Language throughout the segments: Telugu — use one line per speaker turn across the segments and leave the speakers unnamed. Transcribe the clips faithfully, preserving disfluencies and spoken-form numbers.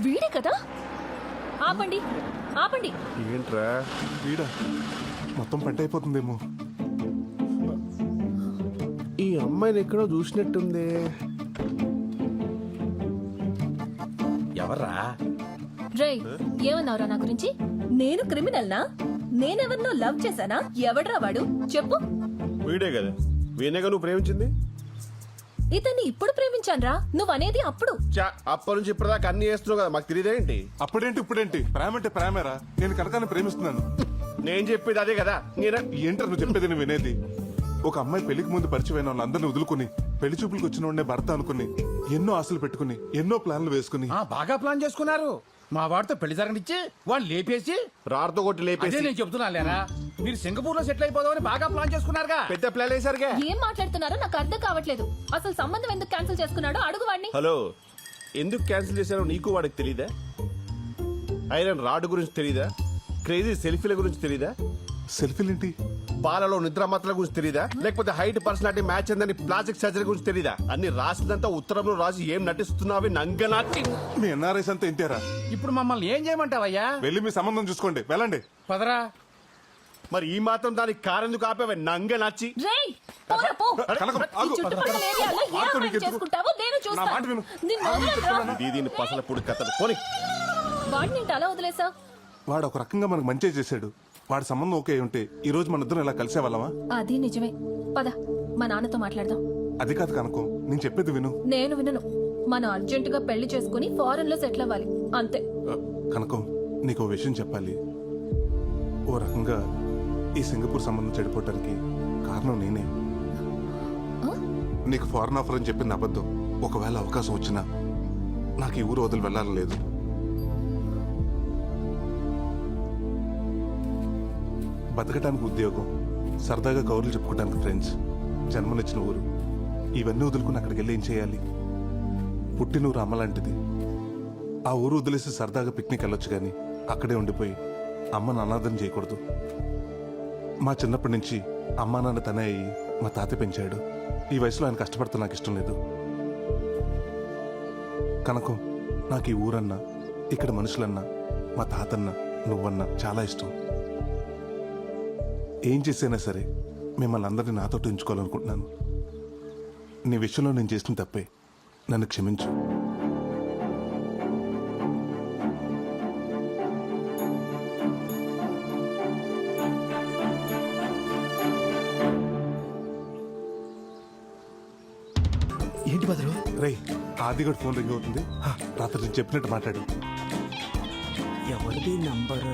వీడే కదా. ఆపండి ఆపండి.
ఏంట్రా
వీడా మొత్తం పంట అయిపోతుందేమో.
ఈ అమ్మాయిని ఎక్కడో చూసినట్టుంది.
ఎవర్రా?
రేయ్, ఏమన్నావురా నా గురించి? నేను క్రిమినల్ నా? నేనెవరినో లవ్ చేశానా? ఎవడ్రా వాడు చెప్పు.
వీడే కదా, వీణేగా నువ్వు ప్రేమించింది.
ఇతన్ని ఇప్పుడు ప్రేమించాన్రా, నువ్వనేది అప్పుడు.
చా అప్పటి నుంచి ఇప్పటిదాకా అన్ని చేస్తున్నావు కదా, మాకు తెలియదేంటి?
అప్పుడేంటి ఇప్పుడేంటి? ప్రేమ అంటే ప్రేమేరా. నేను కనకాన్ని ప్రేమిస్తున్నాను.
నేను చెప్పేది అదే కదా. నేనా
ఏంటారు నువ్వు చెప్పేది? నువ్వు వినేది? ఒక అమ్మాయి పెళ్లికి ముందు పరిచయం వాళ్ళందరినీ వదులుకుని పెళ్లి చూపులకు వచ్చిన వాడినే భర్త అనుకుని ఎన్నో ఆశలు పెట్టుకుని ఎన్నో ప్లాన్లు వేసుకుని
ఆ, బాగా ప్లాన్ చేసుకున్నారు. మా వాడితో పెళ్లి జరగనిచ్చి వాళ్ళు లేపేసి
రాడుతో కొట్టి
అదే
లేపేసి
నేను చెప్తున్నా లేరా, మీరు సింగపూర్ లో సెటిల్ అయిపోదామని బాగా ప్లాన్ చేసుకున్నారుగా.
పెద్ద ప్లాన్ వేసారుగా.
ఏం మాట్లాడుతున్నారో నాకు అర్థం కావట్లేదు. అసలు సంబంధం ఎందుకు క్యాన్సిల్ చేసుకున్నాడో అడుగు వాడిని.
హలో, ఎందుకు క్యాన్సిల్ చేశారో నీకు వాడికి తెలీదా? ఐరన్ రాడ్ గురించి తెలీదా? క్రేజీ సెల్ఫీల గురించి తెలీదా?
సెల్ఫీలేంటి?
పాలలో నిద్ర మాత్రల గురించి తెలీదా? లేకపోతే హైట్ పర్సనాలిటీ మ్యాచ్ అందని ప్లాస్టిక్ సర్జరీ గురించి తెలీదా? అన్ని రాసిందంతా ఉత్తరంలో రాసి ఏం నటిస్తున్నావి నంగనాటి.
మీ ఎన్ఆర్ఐస్ అంతా ఇంతేరా.
ఇప్పుడు మమ్మల్ని ఏం చేయమంటావయ్యా?
వెళ్ళి మీ సంబంధం చూసుకోండి, వెళ్ళండి.
పదరా.
మరి ఈ మాత్రం దానికి కారెందుకు ఆపేవే నంగనాచి?
రేయ్, పోరా పో.
కనకం,
ఈ
ఆగు.
చుట్టుపక్కల ఏరియాలో ఏ
ఆగు,
అమ్మాయిని
నీకు ఎందుకు?
చేసుకుంటావో నేను
నా
చూస్తా.
మాట విను.
నిన్ను వదలనురా.
దీని పసల పొడి కథలు పోనీ.
వాడిని ఏంటి అలా వదిలేసా?
వాడు ఒక రకంగా మనకు మంచి చేశాడు. వాడి సంబంధం ఓకే అయి ఉంటే ఈ రోజు మన ఇద్దరం ఇలా కలిసే వాళ్ళమా?
అది నిజమే. పద, మా నాన్నతో మాట్లాడదాం.
అది కాదు కనకం, నేను చెప్పేది విను.
నేను వినను. మనం అర్జెంటుగా పెళ్లి చేసుకుని ఫారెన్ లో సెటిల్ అవ్వాలి, అంతే.
ఆ, కనకం, నీకు ఓ విషయం చెప్పాలి. ఓ రకంగా ఈ సింగపూర్ సంబంధం చెడిపోవటానికి కారణం నేనే.
ఆ?
నీకు ఫారెన్ ఆఫర్ అని చెప్పింది అబద్ధం. ఒకవేళ అవకాశం వచ్చినా నాకు ఈ ఊరు వదిలి వెళ్ళాలని లేదు. బతకటానికి ఉద్యోగం, సరదాగా కౌరులు చెప్పుకోవడానికి ఫ్రెండ్స్, జన్మనిచ్చిన ఊరు, ఇవన్నీ వదులుకుని అక్కడికి వెళ్ళి ఏం చేయాలి? పుట్టినూరు అమ్మ లాంటిది. ఆ ఊరు వదిలేసి సరదాగా పిక్నిక్ వెళ్ళొచ్చు కానీ అక్కడే ఉండిపోయి అమ్మను అనాథం చేయకూడదు. మా చిన్నప్పటి నుంచి అమ్మా నాన్న తనే అయ్యి మా తాత పెంచాడు. ఈ వయసులో ఆయన కష్టపడితే నాకు ఇష్టం లేదు. కనకం, నాకు ఈ ఊరన్నా, ఇక్కడ మనుషులన్నా, మా తాతన్నా, నువ్వన్నా చాలా ఇష్టం. ఏం చేసైనా సరే మిమ్మల్ని అందరినీ నాతో ఉంచుకోవాలనుకుంటున్నాను. నీ విషయంలో నేను చేసిన తప్పే, నన్ను క్షమించు.
ఏంటి బదులు?
రేయ్, ఆదిగడు ఫోన్ రింగ్ అవుతుంది. హా, రాత్రి నేను చెప్పినట్టు మాట్లాడు.
ఎవరిది నంబర్?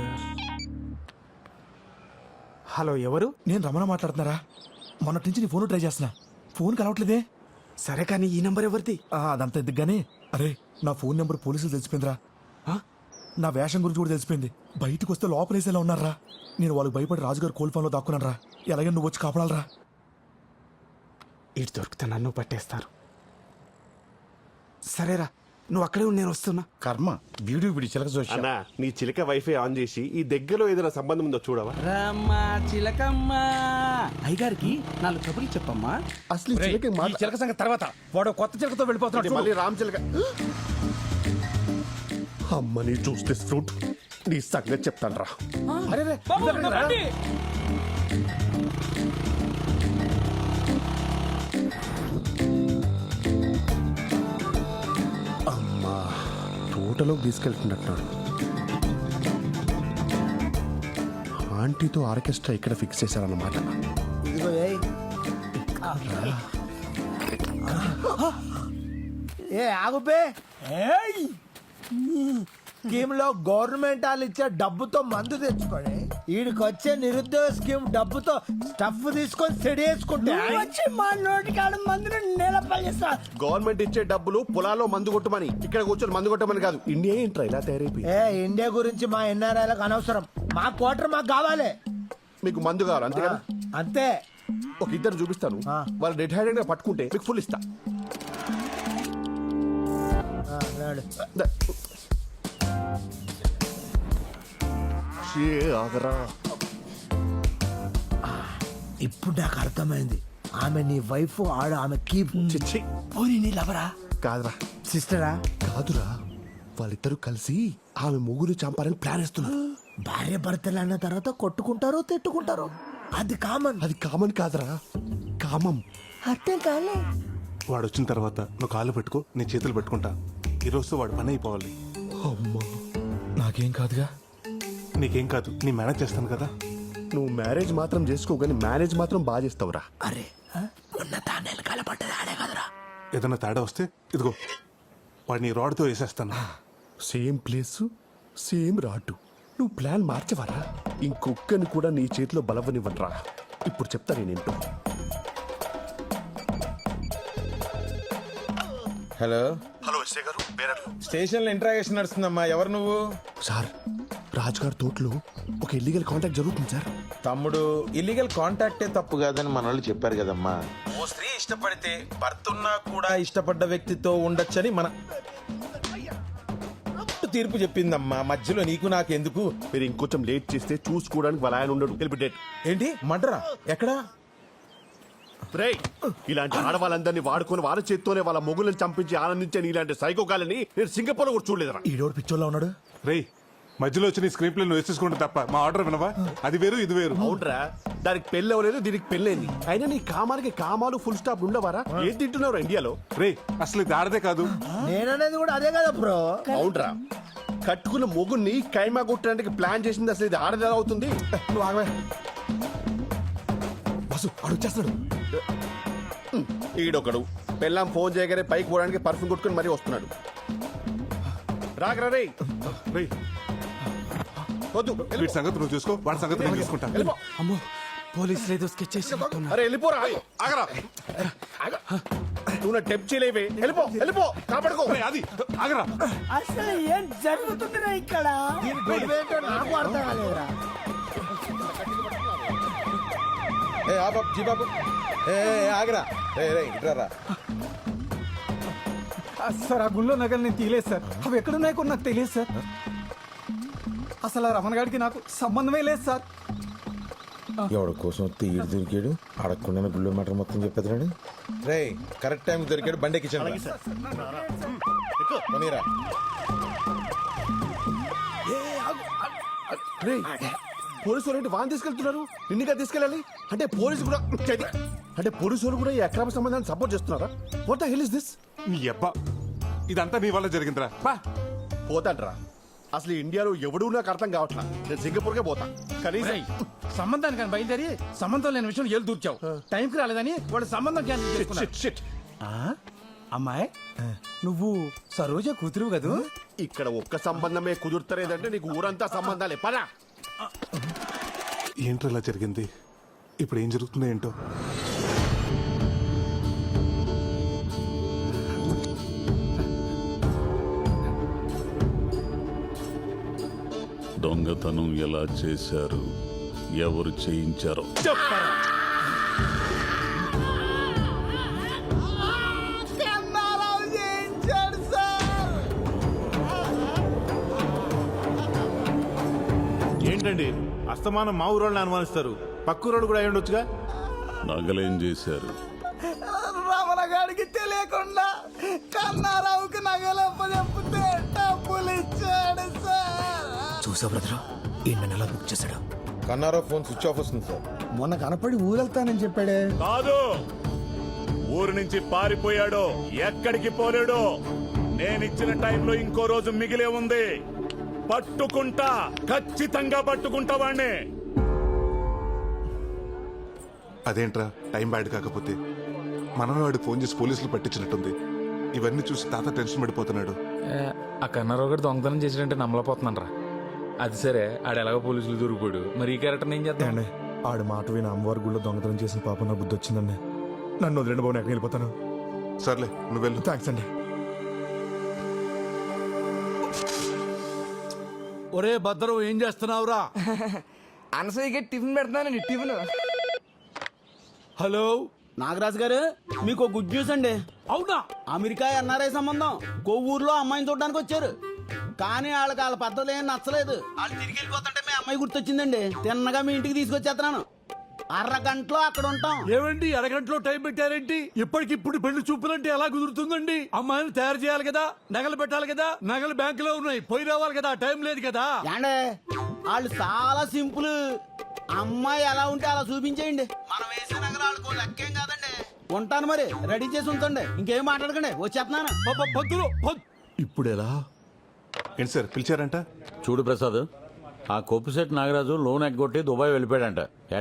హలో, ఎవరు? నేను రమణ మాట్లాడుతున్నారా? మొన్నటి నుంచి నీ ఫోన్ ట్రై చేస్తున్నా, ఫోన్ కలవట్లేదే. సరే కానీ ఈ నంబర్ ఎవరిది? అదంతా ఎందుకు గానీ, అరే నా ఫోన్ నెంబర్ పోలీసులు తెలిసిపోయిందిరా. ఆ? నా వేషం గురించి కూడా తెలిసిపోయింది. బయటకు వస్తే లోపలేసేలా ఉన్నారా. నేను వాళ్ళకి భయపడి రాజుగారు కోల్ ఫోన్ లో దాక్కున్నాను రా. ఎలాగైనా నువ్వు వచ్చి కాపాడాలరా. ఇటు దొరికితే నన్ను పట్టేస్తారు. సరేరా, నువ్వు అక్కడే ఉండి నేను వస్తున్నా.
కర్మ, వీడు వీడి చిలక చూసి
అన్నా, నీ చిలక వైఫై ఆన్ చేసి ఈ దగ్గరలో ఏదైనా సంబంధం ఉందో చూడవా?
రమ్మా చిలకమ్మా, అయ్యగారికి నాలుగు కబుర్లు చెప్పమ్మా.
అసలు ఈ చిలక మాట-
చిలక సంగతి తర్వాత. వాడు కొత్త చిలకతో వెళ్ళిపోతున్నాడు.
మళ్ళీ రామ్ చిలక. అమ్మని చూస్తే ఫ్రూట్ నీ సంగతి చెప్తాను రా.
అరే రే,
బాబు,
ఇద్దరు
నా
రా.
బండి.
అమ్మా, తోటలో తీసుకెళ్తున్నట్టున్నాడు. ఆంటీతో ఆర్కెస్ట్రా ఇక్కడ ఫిక్స్ చేశారన్నమాట.
ఇదిగో ఏయ్. ఏ ఆగుపే. స్కీమ్ లో గవర్నమెంట్ వాళ్ళు ఇచ్చే డబ్బుతో మందు తెచ్చుకొని వీడికి వచ్చే నిరుద్యోగ స్కీమ్ డబ్బుతో స్టఫ్ తీసుకొని సెడి వేసుకుంటే వచ్చి మా నోటికాడ మందుని నిలపల్లిస్తా.
గవర్నమెంట్ ఇచ్చే డబ్బులు పొలాల్లో మందు కొట్టమని, ఇక్కడ కూర్చొని మందు కొట్టమని కాదు. ఇండియా ఏంట్రా ఇలా తయారైపోయి?
ఏ ఇండియా గురించి మా ఎన్ఆర్ఐలకు అనవసరం. మా క్వార్టర్ మాకు కావాలి.
మీకు మందు కావాలి అంతే కదా?
అంతే.
ఒక ఇద్దరు చూపిస్తాను,
ఆ.
వాళ్ళు డెడ్ హ్యాండెడ్ గా పట్టుకుంటే మీకు ఫుల్ ఇస్తా.
ఆ, నాడు.
ద- షే, ఆగరా.
ఇప్పుడు నాకు అర్థమైంది. ఆమె నీ వైఫ్, ఆడ ఆమె కీప్.
చిచ్చి
పోనీ నీ లవరా?
కాదురా.
సిస్టరా?
కాదురా, వాళ్ళిద్దరూ కలిసి ఆమె ముగ్గురు చంపాలని ప్లాన్ వేస్తున్నారు.
భార్య భర్తలు అన్న తర్వాత కొట్టుకుంటారు తిట్టుకుంటారు, అది కామన్.
అది కామన్ కాదురా, కామం.
అర్థం కాలే.
వాడు వచ్చిన తర్వాత నువ్వు కాళ్ళు పెట్టుకో, నీ చేతులు పెట్టుకుంటా. ఈ రోజుతో వాడు పని అయిపోవాలి.
అమ్మా నాకేం కాదుగా.
నీకేం కాదు, నీ మేనేజ్ చేస్తాను కదా.
నువ్వు మ్యారేజ్ మాత్రం చేసుకో, కానీ మేనేజ్ మాత్రం బాగా చేస్తావురా.
అరే మొన్న తానేలు కలపడ్డది ఆడే కదరా.
ఏదైనా తేడా వస్తే ఇదిగో వాడిని రాడ్తో వేసేస్తాను.
సేమ్ ప్లేస్ సేమ్ రాటు. నువ్వు ప్లాన్ మార్చవరా? ఇంకొక్కని కూడా నీ చేతిలో బలవనివ్వనరా. ఇప్పుడు చెప్తా నేనేంటో.
హలో
హలో ఎస్ఐ గారు, బేరర్లు.
స్టేషన్ లో ఇంట్రాగేషన్ నడుస్తుందమ్మా. ఎవరు నువ్వు?
సార్, రాజ్ గారి తోటలో ఒక ఇల్లీగల్ కాంటాక్ట్ జరుగుతుంది సార్.
తమ్ముడు, ఇల్లీగల్ కాంటాక్టే తప్పు కాదని మన వాళ్ళు చెప్పారు కదమ్మా. ఓ స్త్రీ ఇష్టపడితే భర్త ఉన్నా కూడా ఇష్టపడ్డ వ్యక్తితో ఉండొచ్చని మన తీర్పు చెప్పిందమ్మా. మధ్యలో నీకు నాకు ఎందుకు?
మీరు ఇంకొంచెం లేట్ చేస్తే చూసుకోవడానికి వాళ్ళ ఆయన ఉండడు. వెళ్ళి డేట్.
ఏంటి మడ్రా? ఎక్కడా?
రేయ్, ఇలాంటి ఆడవాళ్ళందరినీ వాడుకొని వాళ్ళ చేత్తోనే వాళ్ళ మొగులను చంపించి ఆనందించే ఇలాంటి సైకోగాలని నేను సింగపూర్ లో కూడా చూడలేదురా.
ఈడోడు పిచ్చోళ్ళ ఉన్నాడు.
రేయ్, మధ్యలో వచ్చి నీ స్క్రీన్ ప్లే నువ్వు వేసేసుకుంటే తప్ప మా ఆర్డర్ వినవా? అది వేరు ఇది వేరు.
అవునరా, దానికి పెళ్ళి అవ్వలేదు, దీనికి పెళ్ళైంది. అయినా నీ కామానికి కామాలు ఫుల్ స్టాప్ ఉండవారా? ఏం తింటున్నావు ఇండియాలో?
రేయ్, అసలు ఇది ఆడదే కాదు.
నేననేది కూడా అదే కదా బ్రో.
అవునరా, కట్టుకున్న మొగుని కైమా కొట్టడానికి ప్లాన్ చేసింది అసలు ఇది ఆడది ఎలా అవుతుంది?
నువ్వు ఆగవే. బస్సు ఆడు వచ్చేస్తాడు.
ఈడొకడు పెళ్ళాం ఫోన్ చేయగానే పైకి పోవడానికి పర్ఫ్యూమ్ కొట్టుకుని మరీ వస్తున్నాడు. రాగరా రే.
రేయ్,
వద్దు,
వీడి సంగతి నువ్వు చూసుకో, వాడి సంగతి నేను చూసుకుంటా.
వెళ్ళిపో.
అమ్మో పోలీసులు ఏదో స్కెచ్ చేసి
అరే వెళ్ళిపోరా. ఆగరా. నువ్వు నా టెప్ చేయలేవే. వెళ్ళిపో, వెళ్ళిపో, కాపాడుకో.
రేయ్, అది ఆగరా.
అసలు ఏం జరుగుతుందిరా ఇక్కడ? దీని గొడవ ఏంటో నాకు అర్థం కాలేదురా.
ఏ ఆ బాబు, జీ బాబు, ఏ ఏ, ఏ, ఆగరా. రే రే ఇట్రారా.
సార్ ఆ గుళ్ళో నగలు నేను తీయలేదు సార్. అవి ఎక్కడున్నాయో కూడా నాకు తెలియదు సార్. అసలు ఆ రమణ గారికి నాకు సంబంధమే లేదు సార్.
ఎవడి కోసం తీడు దొరికాడు, అడగకుండా గుళ్ళు మాట మొత్తం చెప్పేది. రే కరెక్ట్ టైం దొరికాడు, బండి ఎక్కించండి. పోనీరా.
రేయ్, పోలీసు వాళ్ళు వాన్ తీసుకెళ్తున్నారు, నిన్నుగా తీసుకెళ్ళాలి అంటే పోలీసు కూడా అంటే పోలీసు వాళ్ళు కూడా ఈ అక్రమ సంబంధాన్ని సపోర్ట్ చేస్తున్నారా? What the hell is this?
నీ అబ్బా, ఇదంతా నీ వల్ల జరిగిందిరా. బా
పోతాంట్రా. అసలు ఇండియాలో ఎవడూ నాకు అర్థం కావట్లా. నేను సింగపూర్కే పోతా. కనీసం
రేయ్, సంబంధానికి కానీ బయలుదేరి సంబంధం లేని విషయం ఏళ్ళు దూర్చావు. టైంకి రాలేదని వాడు సంబంధం క్యాన్సిల్ చేసుకున్నాడు.
Shit, shit.
ఆ? అమ్మాయి నువ్వు సరోజ కూతురు కదూ?
ఇక్కడ ఒక్క సంబంధమే కుదురుతలేదంటే నీకు ఊరంతా సంబంధాలే. పదా.
ఏంటో ఇలా జరిగింది? ఇప్పుడు ఏం జరుగుతుందో ఏంటో.
దొంగతనం ఎలా చేశారు, ఎవరు చేయించారో
చెప్పరా.
ఏంటండి అస్తమానం మా ఊరోళ్ళని అనుమానిస్తారు? పక్కూరోళ్ళు కూడా అయి ఉండొచ్చుగా.
నగలేం చేశారు?
రమణ గారికి తెలియకుండా కన్నారావుకి నగలప్ప చెప్తే డబ్బులు ఇచ్చాడు సార్.
చూసా బ్రదర్, ఈ నెల బుక్ చేశాడు.
కన్నారో ఫోన్ స్విచ్ ఆఫ్ వస్తుంది సార్.
మొన్న కనపడి ఊరెళ్తానని చెప్పాడే.
కాదు, ఊరు నుంచి పారిపోయాడు, ఎక్కడికి పోలేడు. నేనిచ్చిన టైంలో ఇంకో రోజు మిగిలే ఉంది. పట్టుకుంటా, ఖచ్చితంగా పట్టుకుంటా వాణ్ణి.
అదేంట్రా టైం బ్యాడ్ కాకపోతే? మనమే వాడికి ఫోన్ చేసి పోలీసులు పట్టించినట్టుంది. ఇవన్నీ చూసి తాత టెన్షన్ పడిపోతున్నాడు.
ఆ కన్నారావు గారు దొంగతనం చేసినట్టే నమ్మలేకపోతున్నాను రా. అది సరే, ఆడు ఎలాగో పోలీసులు దొరికిపోయాడు, మరి ఈ క్యారెక్టర్ ఏం చేద్దాం?
ఆడు మాట విని అమ్మవారి గుళ్ళో దొంగతనం చేసిన పాప నా బుద్ధి వచ్చిందండి. నన్ను వదిలేండి బాబు, ఎక్కడికి వెళ్ళిపోతాను.
సర్లే నువ్వు వెళ్ళు.
థ్యాంక్స్ అండి.
ఒరే భద్రం, ఏం చేస్తున్నావురా?
అనసూయకి టిఫిన్ పెడతానండి. టిఫిన్.
హలో
నాగరాజు గారు, మీకు గుడ్ న్యూస్ అండి.
అవునా?
అమెరికా ఎన్ఆర్ఐ సంబంధం కొవ్వూరులో అమ్మాయిని చూడడానికి వచ్చారు. కానీ వాళ్ళకి వాళ్ళ పద్ధతులు ఏం నచ్చలేదు. వాళ్ళు తిరిగి వెళ్ళిపోతుంటే మీ అమ్మాయి గుర్తొచ్చిందండి. తిన్నగా మీ ఇంటికి తీసుకొచ్చేస్తున్నాను. అరగంటలో అక్కడ ఉంటాం.
ఏమండి అరగంటలో టైం పెట్టారేంటి? ఇప్పటికిప్పుడు పెళ్లి చూపులంటే ఎలా కుదురుతుందండి? అమ్మాయిని తయారు చేయాలి కదా, నగలు పెట్టాలి కదా, నగలు బ్యాంకులో ఉన్నాయి, పోయి రావాలి కదా, టైం లేదు కదా.
ఏండే వాళ్ళు చాలా సింపుల్. అమ్మాయి ఎలా ఉంటే అలా చూపించేయండి. మనం వేసే నగలు వాళ్ళకు లెక్కేం కాదండి. ఉంటాను మరి, రెడీ చేసి ఉంచండి. ఇంకేం మాట్లాడకండి, వచ్చేస్తున్నాను.
ప- పంతులు పం- ఇప్పుడు ఎలా?
ఏంటి సార్ పిలిచారంట?
చూడు ప్రసాద్, ఆ కొప్పుశెట్టి నాగరాజు లోన్ ఎగ్గొట్టి దుబాయ్ వెళ్ళిపోయాడంట.